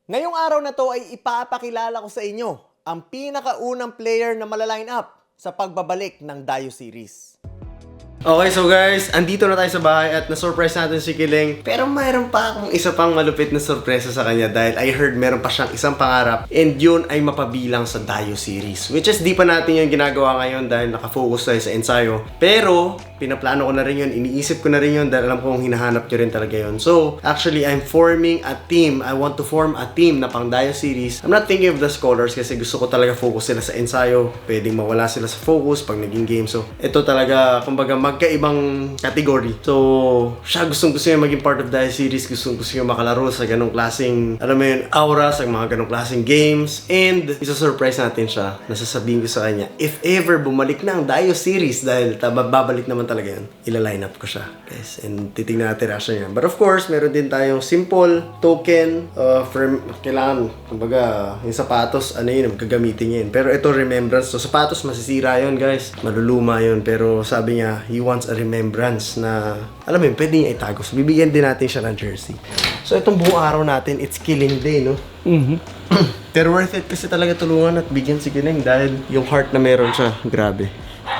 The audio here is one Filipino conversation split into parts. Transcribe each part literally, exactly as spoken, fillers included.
Ngayong araw na to ay ipapakilala ko sa inyo ang pinakaunang player na malaline up sa pagbabalik ng Dayo Series. Okay, so guys, andito na tayo sa bahay at na-surprise natin si Kiling. Pero mayroon pa akong isa pang malupit na sorpresa sa kanya dahil I heard meron pa siyang isang pangarap and yun ay mapabilang sa Dayo Series. Which is di pa natin yung ginagawa ngayon dahil nakafocus tayo sa ensayo. Pero pinaplano ko na rin yun, iniisip ko na rin yun dahil alam kong hinahanap nyo rin talaga yun. So, actually, I'm forming a team. I want to form a team na pang Dayo Series. I'm not thinking of the scholars kasi gusto ko talaga focus sila sa ensayo. Pwedeng mawala sila sa focus pag naging game. So, ito talaga, kumbaga, magkaibang category. So, siya gustong gusto niya maging part of Dayo Series. Gustong gusto niya makalaro sa ganong klaseng, alam mo yun, aura, sa mga ganong klaseng games. And, isa-surprise natin siya. Nasasabihin ko sa kanya, if ever bumalik na ang Dayo Series, dahil babalik naman talaga yun, ila-line up ko siya, guys. And titignan natin reaction niya. But of course, meron din tayong simple token uh, for, kailangan, kumbaga, yung sapatos, ano yun, gagamitin niya yun. Pero ito, remembrance. So, sapatos, masisira yun, guys. Maluluma yun. Pero sabi niya, he wants a remembrance na, alam mo yun, pwede niya itago. So, bibigyan din natin siya ng jersey. So, itong buong araw natin, it's Killing Day, no? Mm-hmm. Pero worth it kasi talaga tulungan at bigyan si Killing dahil yung heart na meron siya, grabe.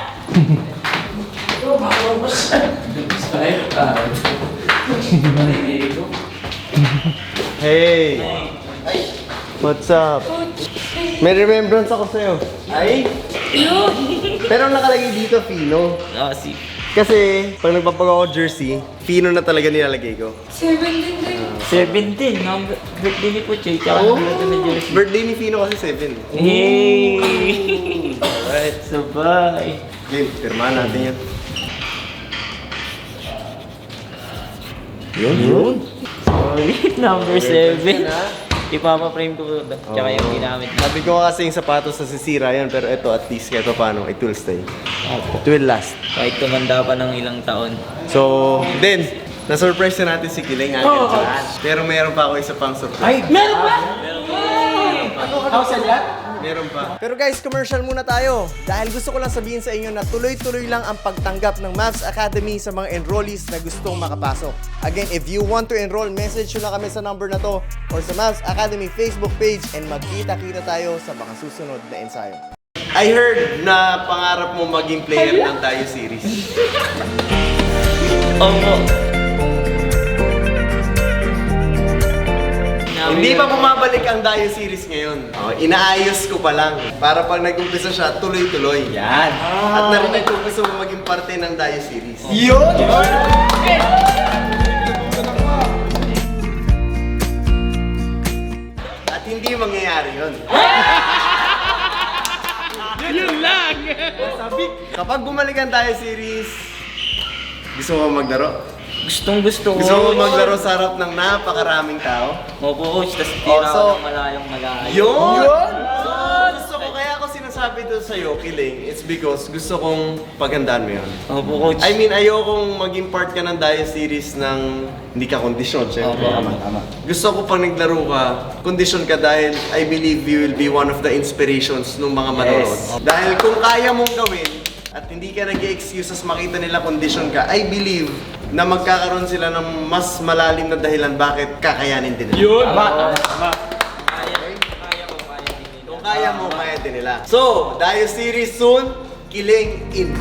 Hey! What's up? May remembrance ako sa'yo. Ay? Pero nakalagay dito, Fino. Ah, si... Kasi, pag nagpapagawa ko jersey, Fino na talaga nilalagay ko. seventeen din. seventeen, no? Birthday ni Puchay, tsaka Oo. oh. na jersey. Birthday ni Fino kasi seven. Hey! Alright, sabay. Game, pirmahan natin yan. Yun, yun. Solid, number seven. Ipapa-frame ko tsaka yung ginamit na. Sabi ko kasi yung sapatos na sisira yan, pero ito at least kahit pa paano, it will stay. It will last. Kahit tumanda pa ng ilang taon. So, then, na-surprise na natin si Kiling agad Oo. dyan. Pero meron pa ako isa pang surprise. Ay, meron ba? Meron pa. Pero guys, commercial muna tayo. Dahil gusto ko lang sabihin sa inyo na tuloy-tuloy lang ang pagtanggap ng Mavs Academy sa mga enrollees na gustong makapasok. Again, if you want to enroll, message nyo lang kami sa number na to or sa Mavs Academy Facebook page and magkita-kita tayo sa mga susunod na ensayo. I heard na pangarap mo maging player ng Dayo Series. Opo. Hindi pa bumabalik ang Dayo Series ngayon. Oh, inaayos ko pa lang. Para pag nag-umpisa siya, tuloy-tuloy. Yan. At narinig ko gusto mo maging parte ng Dayo Series. Yun! At hindi mangyayari yun. Yun lang! Kapag bumalik ang Dayo Series, gusto mo maglaro? Gustong gusto ko. Gusto mo maglaro sa harap ng napakaraming tao? Opo, coach. Tapos Oh, tira so- ako ng malayong malayo. Yun! So, gusto ko, kaya ako sinasabi to sa'yo, Kiling, it's because gusto kong paghandaan mo yun. Opo, coach. I mean, ayokong maging part ka ng Dayo Series ng hindi ka kondisyon, syempre. Opo, tama, tama. Gusto ko pag naglaro ka, kondisyon ka dahil I believe you will be one of the inspirations ng mga manonood. Yes. Dahil kung kaya mong gawin at hindi ka nag-excuses makita nila kondisyon ka, I believe na magkakaroon sila ng mas malalim na dahilan bakit kakayanin din nila. Yun! Tama, tama. Kaya, kaya ko, kaya din nila. Kung kaya mo, kaya din nila. So, Dayo Series soon, Kiling in.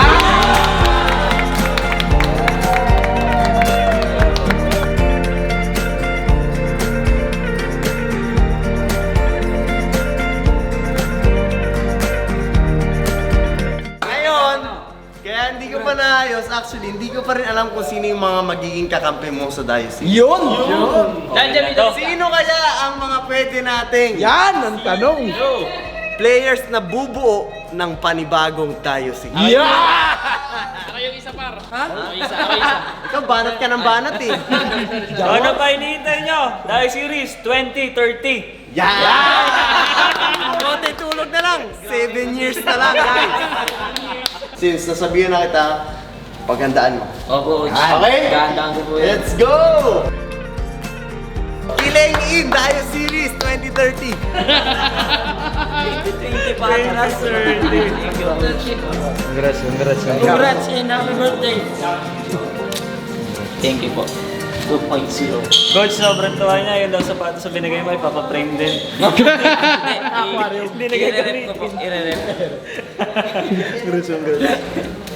Ngayon, kaya hindi ko pa naayos, actually, hindi ko pa rin alam kung sino yung mga magiging kakampi mo sa Dayo Series. Yun! Nandiyan ito. Sino kaya ang mga pwede nating Yan ang tanong! players na bubuo ng panibagong Dayo Series? Ako yung isa par. Ha? Ako isa, ako isa. Ikaw, banat ka ng banat eh. Ano pa hinihintay nyo? Dayo Series twenty thirty. Yan! Konti tulog na lang. Seven years na lang, guys. Since nasabihan na kita, paghandaan mo. Opo, coach. Okay? Gandaan ko po yan. Let's go! Kiling in Dayo Series twenty thirty. twenty pa na, sir. Thank you. Congrats, congrats, Congrats and happy birthday. Thank you po. two point oh. Coach, sobrang tuwa niya. Yung daw sapatos sa binigay mo, ipapaprame din. Hindi nagagawin. I-rep ko po. I-rep.